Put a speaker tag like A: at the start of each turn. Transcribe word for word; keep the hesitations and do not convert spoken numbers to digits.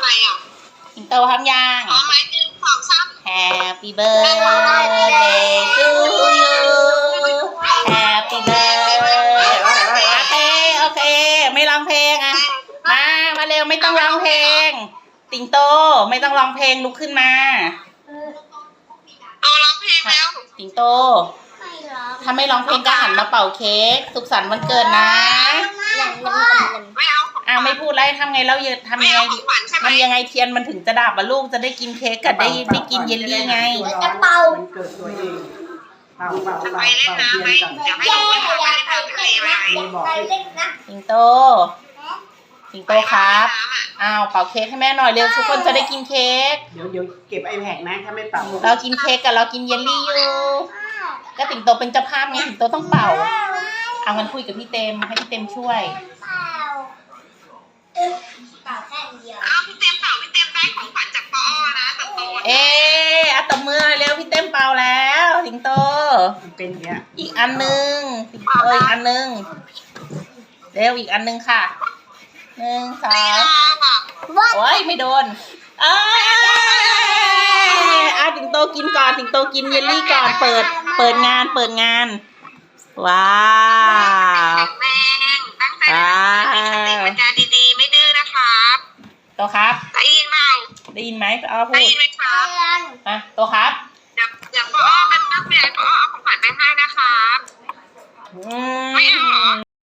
A: อะไรอ่ะ
B: สิงโตทำยัง
A: พร้อมไหมหนึ่งสองสาม
B: Happy birthday to you Happy birthday โอเคโอเคไม่ร้องเพลงอ่ะมามาเร็วไม่ต้องร้องเพลงสิงโตไม่ต้องร้องเพลงลุกขึ้นมา
A: เอาร้องเพลงแล้ว
B: สิงโตถ้าไม่ร้องเพลงก็หันมาเป่าเค้กสุขสันต์วันเกิดนะ
A: ไม่เอาของ
B: อ้าวไม่พูดแล้วทำไงแล้วทำ
A: ไม่
B: ยังไง
A: เอาของขวัญใช่ไหม
B: ทำยังไงเทียนมันถึงจะดับอ่ะลูกจะได้กินเค้กกับได้ได้กินเยลลี่ไง
C: จะเป่า
D: มันเกิดตัวเองเป่าเป่า
A: จะไป
D: เป่า
A: เล่น
D: เป่า
A: น้ำไหม
D: เทียนกัน
A: เดี๋ยวให้ลงไปทำไปเล่นน้ำทะเลไหม
C: ไปเล่นนะ
B: สิงโต สิงโตครับอ้าวเป่าเค้กให้แม่หน่อยเร็วทุกคนจะได้กินเค้ก
D: เดี๋ยวเดี๋ยวเก็บไอแพดนะถ้าไม่เป่า
B: เรากินเค้กกับเรากินเยลลี่อยู่ก็สิงโตเป็นเจ้าภาพไงสิงโตต้องเป่าเอางั้นคุยกับพี่เต็มให้พี่เต็มช่วย
C: เป่าเป่าแค่เดียว
A: เอาพี่เต็มเปล่าพี่เต็มได้ของขวัญจากปอนะตัดโต
B: เอ๊ะอะตบมือเร็วพี่เต็มเป่าแล้วสิงโต
D: มันเป็นอย่างเงี้ย
B: อีกอันหนึ่งสิงโตอีกอันหนึ่งเร็วอีกอันหนึ่งค่ะหนึ่งสอง
C: วัด
B: โอ้ยไม่โดนเอ้ยอาสิงโตกินก่อนสิงโตกินเยลลี่ก่อนเปิด เปิดงานเปิดงาน ว้าว
A: แข็งแรงตั้งใจสติปัญญาดีๆไม่ดื้อนะครับ
B: โตครับ
A: ได้ยินเปล่า
B: ได้ยินไหมเอาพู
A: ได้
B: ด
A: ยินไหมครับ
B: อ่ะโตครับ
A: เดี๋ยวเดี๋ยวปอกันตั้งใจปอเอาของขวัญไปให้นะครับ
B: อื
A: ไม่เอาเหรอ
B: ม